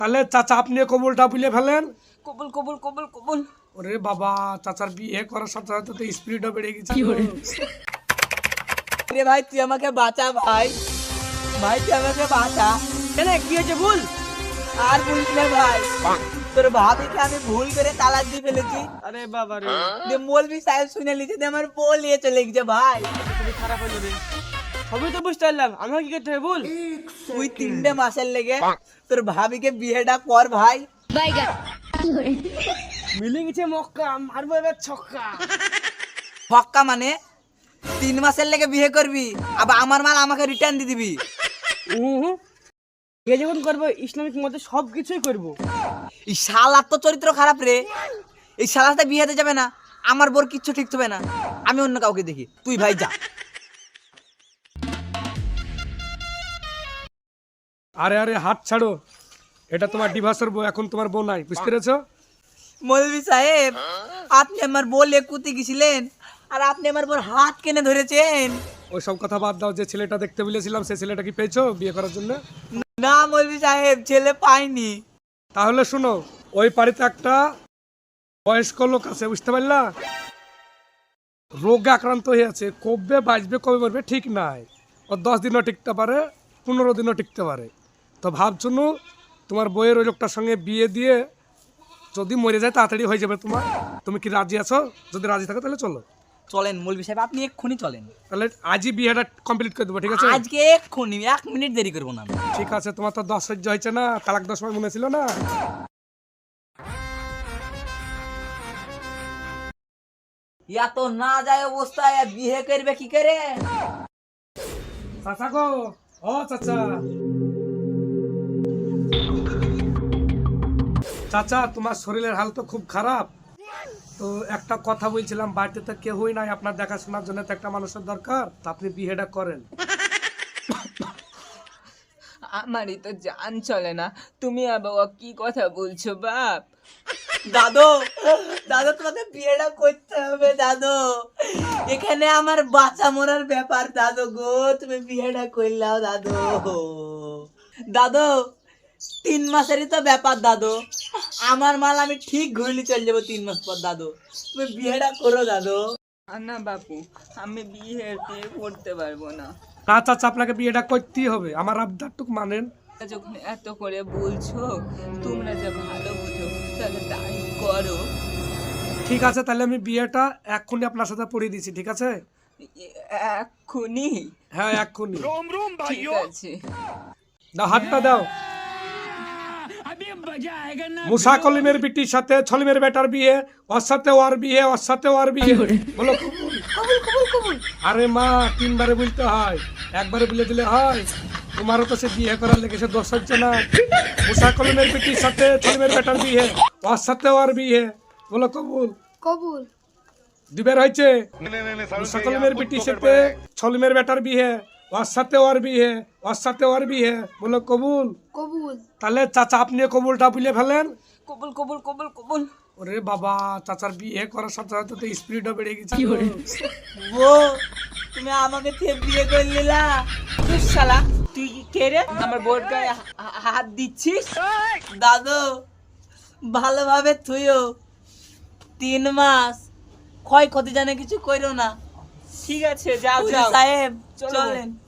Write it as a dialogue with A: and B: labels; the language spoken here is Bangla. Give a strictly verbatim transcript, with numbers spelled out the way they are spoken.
A: তাহলে চাচা আপনি কবুলটা বুলে ফেলেন।
B: কবুল কবুল কবুল কবুল।
A: ওরে বাবা, চাচার বিয়ে করার সাথে সাথে তো স্পিডও বেড়ে গেছে।
B: রে ভাই তুই আমাকে বাঁচা ভাই, ভাই তুই আমাকে বাঁচা। কেন কি হয়েছে ভুল? আর বলিস না ভাই, তোর ভাবিকে আমি ভুল করে তালাক দিয়ে ফেলেছি।
C: আরে বাবা রে,
B: যে মৌলভি সাহেব শুনে লিখে দিয়ে আমার বউ নিয়ে চলে গেছে ভাই।
C: খুবই খারাপ হলো রে। সবই তো বুঝতে পারলাম, আমার কি করতে হবে ভুল?
B: তুই তিনটে মাসের লেগে তোর ভাবিকে বিয়েটা কর ভাই।
C: মিলে গেছে মক্কা, মারবো এবার ছক্কা।
B: ফক্কা মানে তিন মাসের লেগে বিয়ে করবি, আবার আমার মাল আমাকে রিটার্ন দিয়ে দিবি।
C: হুম, বিয়ে যখন করবো ইসলামিক মতে সব কিছুই করবো।
B: এই শালার তো চরিত্র খারাপ রে, এই শালার সাথে বিয়ে হতে যাবে না, আমার বোর কিচ্ছু ঠিক হবে না, আমি অন্য কাউকে দেখি, তুই ভাই যা।
A: আরে আরে হাত ছাড়ো, এটা তোমার ডিভোর্সের বউ, এখন তোমার বউ নাই, বুঝতে পেরেছো?
B: মৌলভি সাহেব, আপনি আমার বউ লেকুতে গেছিলেন আর আপনি আমার বোর হাত কেনে ধরেছেন।
A: ওই সব কথা বাদ দাও, যে ছেলেটা দেখতে বলেছিলাম সেই ছেলেটা কি পেয়েছো বিয়ে করার জন্য?
B: না মৌলভি সাহেব, ছেলে পাইনি।
A: তাহলে শোনো, ওই বাড়িতে একটা বয়স্ক লোক আছে, বুঝতে পারলা? রোগে আক্রান্ত হয়ে আছে, কবে বাঁচবে কবে মরবে ঠিক নাই। ও দশ দিনও টিকতে পারে, পনেরো দিনও টিকতে পারে। তো ভাবছুনু তোমার বইয়ের ওই লোকটার সঙ্গে বিয়ে দিয়ে যদি মরে যায় তাড়াতাড়ি হয়ে যাবে তোমার। তুমি কি রাজি আছো? যদি রাজি থাকো তাহলে চলো।
B: চলেন মৌলভি সাহেব, আপনি এক্ষুনি চলেন।
A: তাহলে আজই বিয়েটা কমপ্লিট করে দেবো, ঠিক আছে?
B: আজকে এক্ষুনি, এক মিনিট দেরি করবো না।
A: ঠিক আছে, তোমার তো দশ সহ্য হয়েছে না, তালাক দশ সময় মনে ছিল না?
B: ইয়া তো না যায় অবস্থায় বিয়ে করবে কি করে?
A: চাচা গো, ও চাচা, চাচা তোমার শরীরের হাল তো খুব খারাপ। তো একটা কথা বলছিলাম, বাড়িতে তো কেউই নাই, আপনার দেখাশোনার জন্য তো একটা মানুষের দরকার, তো আপনি বিয়েটা করেন।
D: আমারই তো জান চলে না, তুমি আবার কি কথা বলছো বাপ?
B: দাদু, দাদু তোমাকে বিয়েটা করতে হবে দাদু, এখানে আমার বাচ্চা মরার ব্যাপার দাদু গো, তুমি বিয়েটা করলাও দাদু। দাদু তিন মাসেরই তো ব্যাপার দাদু, আমার মাল আমি ঠিক ঘুরলি চলে যাবো তিন মাস পর দাদু, তুমি বিয়েটা করো দাদু।
D: না বাপু, আমি বিয়ে টিয়ে করতে পারবো না।
A: না চাচা, আপনাকে বিয়েটা করতেই হবে, আমার আবদারটুক মানেন।
D: যখন এত করে বলছো, তোমরা যে ভালো বুঝো তাহলে তাই করো।
A: ঠিক আছে, তাহলে আমি বিয়েটা এক্ষুনি আপনার সাথে পড়িয়ে দিচ্ছি, ঠিক আছে?
D: এ- এক্ষুনি?
A: হ্যাঁ এক্ষুনি।
D: ঠিক আছে।
A: দাও, হাতটা দাও। মুসা কলিমের বিটির সাথে ছলিমের বেটার বিয়ে, ওর সাথে ওর বিয়ে, ওর সাথে ওর বিয়ে। বলো কবুল। আরে মা, তিনবারে বলতে হয়, একবারে বলে দিলে হয়? তোমারও তো সে বিয়ে করার লেগে সে দোষ হচ্ছে না। মুসা কলিমের বিটির সাথে ছলিমের বেটার বিয়ে, ওর সাথে ওর বিয়ে। বলো কবুল।
E: কবুল।
A: দুবার হয়েছে। মুসা কলিমের বিটির সাথে ছলিমের বেটার বিয়ে, ওর সাথে ওর বিয়ে, ওর সাথে ওর বিয়ে। বলো কবুল।
E: কবুল।
A: তাহলে চাচা আপনি কবুলটা বুলে ফেলেন।
D: কবুল কবুল কবুল কবুল।
A: ওরে বাবা, চাচার বিয়ে করার সাথে সাথে তো স্পিডও বেড়ে গেছে।
B: ও তুমি আমাকে থেকে বিয়ে করে নিলা?
D: তুই শালা, তুই কি কে রে আমার বোর্ড গায়ে হা- হা- হাত দিচ্ছিস?
B: দাদু ভালোভাবে থুইও, তিন মাস ক্ষয় ক্ষতি জানে কিছু কইরো না।
D: ঠিক আছে, যাও
B: হুজুর
D: যাও।
B: সাহেব
D: চলো।
B: চলেন।